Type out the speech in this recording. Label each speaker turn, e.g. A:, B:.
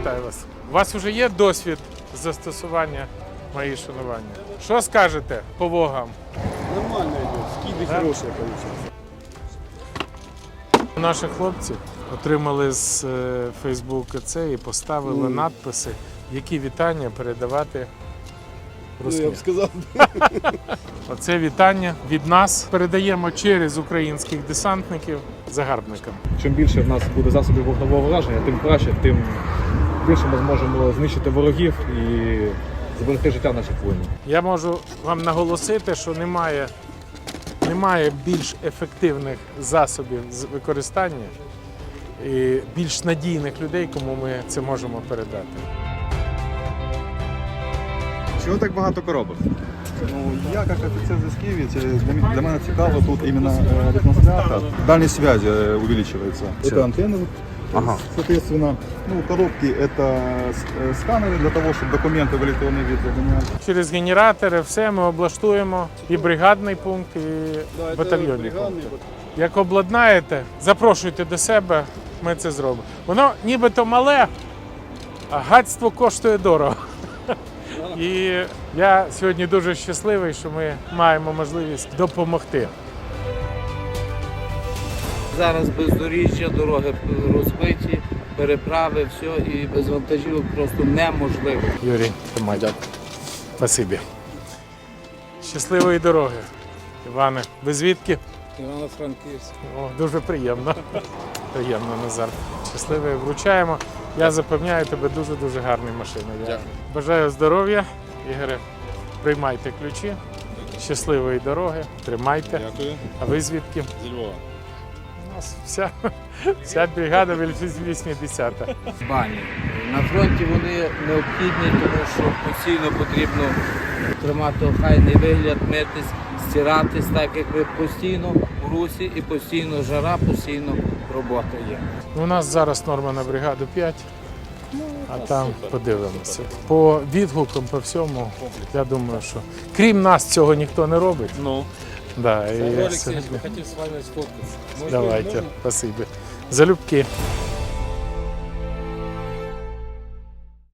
A: вітаю вас. У вас вже є досвід застосування «Мої шанування»? Що скажете по вогам?
B: Нормально идет, скиды хорошие получаются.
A: Наші хлопці отримали з Фейсбуку це і поставили надписи, які вітання передавати
B: Ну, я
A: русні.
B: бы сказал,
A: Оце вітання від нас передаємо через українських десантників загарбникам.
C: Чим більше в нас буде засобів вогневого враження, тим краще, тим більше ми зможемо знищити ворогів і зберегти життя наших воїнів.
A: Я можу вам наголосити, що немає більш ефективних засобів з використання і більш надійних людей, кому ми це можемо передати.
D: Чого так багато коробок?
E: Ну, я як офіцер зв'язківець, для мене цікаво тут іменно ретранслятор. Дальність связи увеличивается. Это антенны, соответственно. Ну, коробки это сканеры для того, чтобы документы в электронный вид загонять.
A: Через генератори все ми облаштуємо і бригадний пункт, і батальйонний пункт. Як обладнаєте, запрошуйте до себе, ми це зробимо. Воно нібито мале, а гадство коштує дорого. І я сьогодні дуже щасливий, що ми маємо можливість допомогти.
F: Зараз бездоріжжя, дороги розбиті, переправи, все, і без вантажівок просто неможливо.
A: Юрій, тримай. Спасибі. Щасливої дороги. Іване, ви звідки?
B: Ивано-Франківськ.
A: О, дуже приємно. Приємно, Назар. Щасливо вручаємо. Я запевняю тебе, дуже-дуже гарна машина. Я бажаю здоров'я. Ігоре, приймайте ключі. Щасливої дороги. Тримайте.
B: Дякую.
A: А ви звідки?
B: Зі Львова.
A: У нас вся бригада 80-та.
F: Бані. На фронті вони необхідні, тому що постійно потрібно тримати охайний вигляд, митись, стиратись, так як ви постійно в русі і постійно жара, постійно робота є.
A: У нас зараз норма на бригаду 5, а там подивимося. По відгукам, по всьому, я думаю, що крім нас цього ніхто не робить.
B: Ну.
A: Да, і
B: Олексій,
A: сьогодні-
B: хотів з вами сфоткатися.
A: Давайте, спасибо. Залюбки.